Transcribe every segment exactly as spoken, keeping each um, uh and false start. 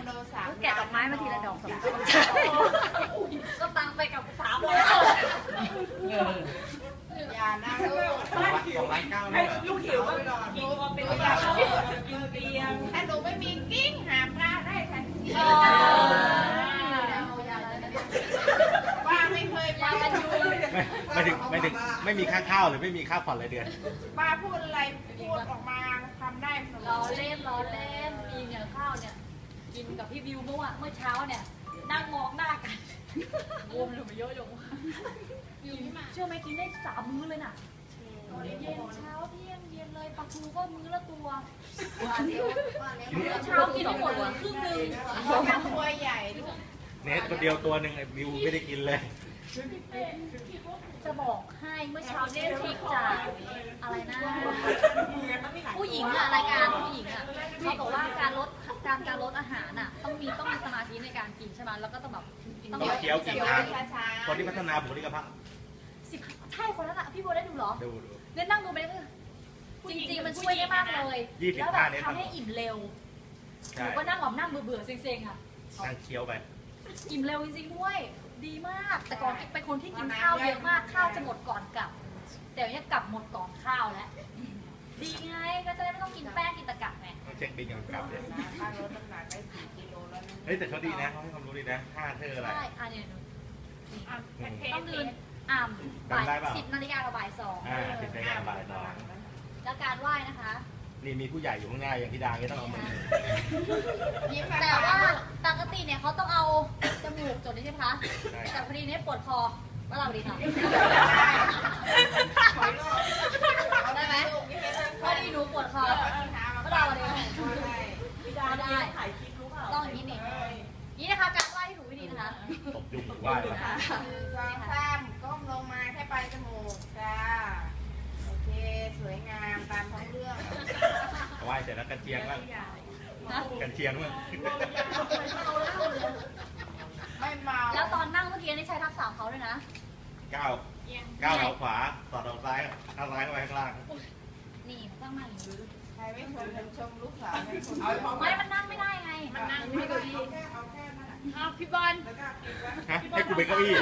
โลสามแกะดอกไม้มาทีละดอกสองดอกก็ตังไปกับสามร้อยอย่านะลูกสองล้านเก้าลูกหิวก็กินเป็นยากินเตียงถ้าหนูไม่มีกิ้งหาปลาได้ทันทีป้าไม่เคยป้ากันอยู่ไม่ถึงไม่ถึงไม่มีค่าข้าวหรือไม่มีค่าผ่อนรายเดือนป้าพูดอะไรพูดออกมาทำได้เสมอล้อเล่นล้อเล่นมีเนี่ยข้าวเนี่ยกินกับพี่วิวเมื่อวานเมื่อเช้าเนี่ยนั่งมองหน้ากันรวมเลยมาเยอะอยู่เชื่อไหมกินได้สามมื้อเลยน่ะเย็นเช้าเที่ยงเย็นเลยปลาทูก็มื้อละตัวเช้ากินไม่หมดครึ่งนึงตัวใหญ่ด้วยเนสคนเดียวตัวหนึ่งไอ้วิวไม่ได้กินเลยจะบอกให้เมื่อเช้าเนี่ยทริกจากอะไรนะผู้หญิงอะรายการผู้หญิงอะเขาบอกว่าการลดการการลดอาหารอะต้องมีต้องมีสมาธิในการกินใช่ไหมแล้วก็ต้องแบบต้องเคี้ยวกินทางคนที่พัฒนาบุคลิกภาพสิบใช่คนนั้นอะพี่โบได้ดูหรอดูดูเนี่ยนั่งดูไปเลยจริงๆมันช่วยได้มากเลยแล้วแบบทำให้อิ่มเร็วหนูก็นั่งแบบนั่งเบื่อๆเซ็งๆอะนั่งเคี้ยวไปอิ่มเร็วจริงๆด้วยดีมากแต่ก่อนเป็นคนที่กินข้าวเยอะมากข้าวจะหมดก่อนกลับแต่เนี่ยกลับหมดก่อนข้าวแล้วดีไงก็จะได้ไม่ต้องกินแป้งกินตะกับไงต้องเช็คบินก่อนกลับเลยป้าลดน้ำหนักได้สี่กิโลแล้วนะเฮ้ยแต่เขาดีนะเขาให้ความรู้ดีนะท่าเธออะไรใช่อันนี้ต้องเดินอ่ำบ่ายสิบนาฬิกากับบ่ายสองอ่าสิบนาฬิกาบ่ายสองแล้วการไหว้นะคะนี่มีผู้ใหญ่อยู่ข้างหน้าอย่างพี่ดาก็ต้องเอามือแต่ว่าปกติเนี่ยเขาต้องเอาจมูกจดนี่ใช่ไหมคะแต่พอดีเนี่ยปวดคอว่าเราดีค่ะได้ไหมพอดีหนูปวดคอว่าเราดีพี่ดาได้ถ่ายคลิปรู้เปล่าต้องอย่างนี้นี่นี่นะคะการไหว้ที่ถูกวิธีนะคะตบยุงไหว้วางซ้ำก้มลงมาแค่ปลายจมูกจ้าโอเคสวยงามตามท้องเรื่องไหว้เสร็จแล้วกันเชียงบ้างกันเชียงบ้างไม่เมาแล้วตอนนั่งเมื่อกี้นี่ใช้ทักษะเขาด้วยนะก้าวก้าวเท้าขวาต่อเท้าซ้ายเท้าซ้ายเข้าไปข้างล่างนี่ต้องมาอย่างนี้ใครไม่ชมชมลูกสาวไม่มันนั่งไม่ได้ไงมันนั่งไม่ได้เอาแค่เอาแค่นั่นอ้าวพี่บอลให้กูเป็นเก้าอี้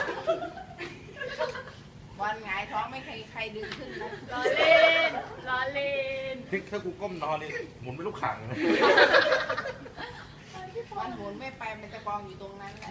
บอลหงายท้องไม่ใครใครดึงขึ้นนะล้อเล่นล้อเล่นถ้ากูก้มนอนนี่หมุนเป็นลูกขังมันหมุนไม่ไปมันจะกองอยู่ตรงนั้นแหละ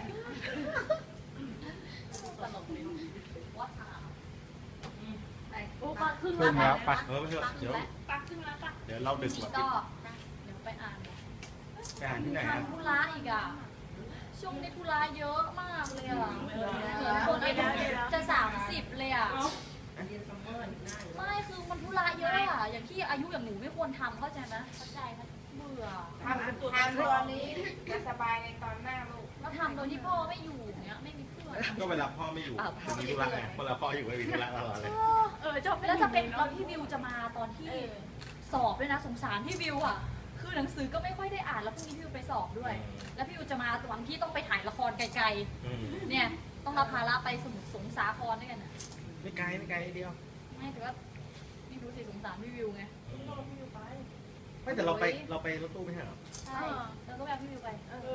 โอ้ปักครึ่งแล้วปักเออไม่เถอะเดี๋ยวปักครึ่งแล้วปักเดี๋ยวเราดึกแบบก็เดี๋ยวไปอ่านไปอ่านที่ไหนทำธุระอีกอ่ะช่วงนี้ธุระเยอะมากเลยอ่ะเหมือนคนอายุจะสามสิบเลยอ่ะไม่คือมันธุระเยอะอ่ะอย่างที่อายุอย่างหนูไม่ควรทำเข้าใจไหมเข้าใจไหมเบื่อทำทำตัวนี้จะสบายในตอนหน้าลูกแล้วทำโดยที่พ่อไม่อยู่เนี้ยไม่มีเพื่อนก็เวลาพ่อไม่อยู่มีธุระไงเวลาพ่ออยู่ไม่มีธุระตลอดเลยเออจบแล้วจะเป็นตอนที่วิวจะมาตอนที่สอบด้วยนะสงสารพี่วิวอ่ะคือหนังสือก็ไม่ค่อยได้อ่านแล้วพรุ่งนี้พี่วิวไปสอบด้วยแล้วพี่วิวจะมาวันที่ต้องไปถ่ายละครไกลๆเนี่ยต้องรับภาระไปสมุทรสงสาครด้วยกันอ่ะไม่ไกลไม่ไกลเดียวไม่แต่ว่าไม่รู้สิสงสารพี่วิวไงไม่แต่เราไปเราไปรถตู้ไม่ใช่หรอใช่แล้วก็แบบพี่วิวไป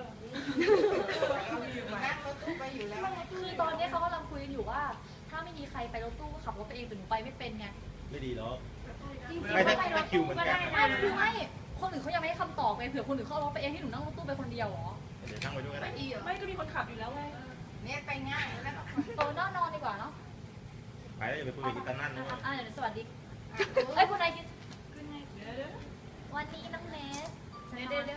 นั่งรถตู้ไปอยู่แล้วคือตอนนี้เขากำลังคุยกันอยู่ว่าถ้าไม่มีใครไปรถตู้ก็ขับรถไปเองแต่หนูไปไม่เป็นไงไม่ดีหรอกไม่ได้ไม่คิวมันได้ไม่คือไม่คนอื่นเขายังไม่ได้คำตอบไงเผื่อคนอื่นเขารถไปเองที่หนูนั่งรถตู้ไปคนเดียวหรอเดี๋ยวนั่งไปด้วยก็ได้ไม่ก็มีคนขับอยู่แล้วไงเนี่ยไปง่ายแล้วโตนอนนอนดีกว่าเนาะไปแล้วอย่าไปคุยกับตันนั่นนะอ่าเดี๋ยวสวัสดีเฮ้ยคุณนายคิดวันนี้น้องเนสเดี๋ยวเดี๋ยวเดี๋ยว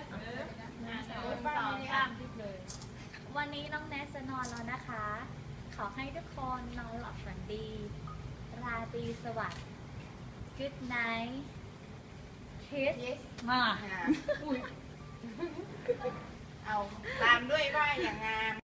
วันนี้น้องเนสจะนอนแล้วนะคะขอให้ทุกคนนอนหลับฝันดีราตรีสวัสดิ์ Good night kiss มาเอาตามด้วยว่าอย่างงาม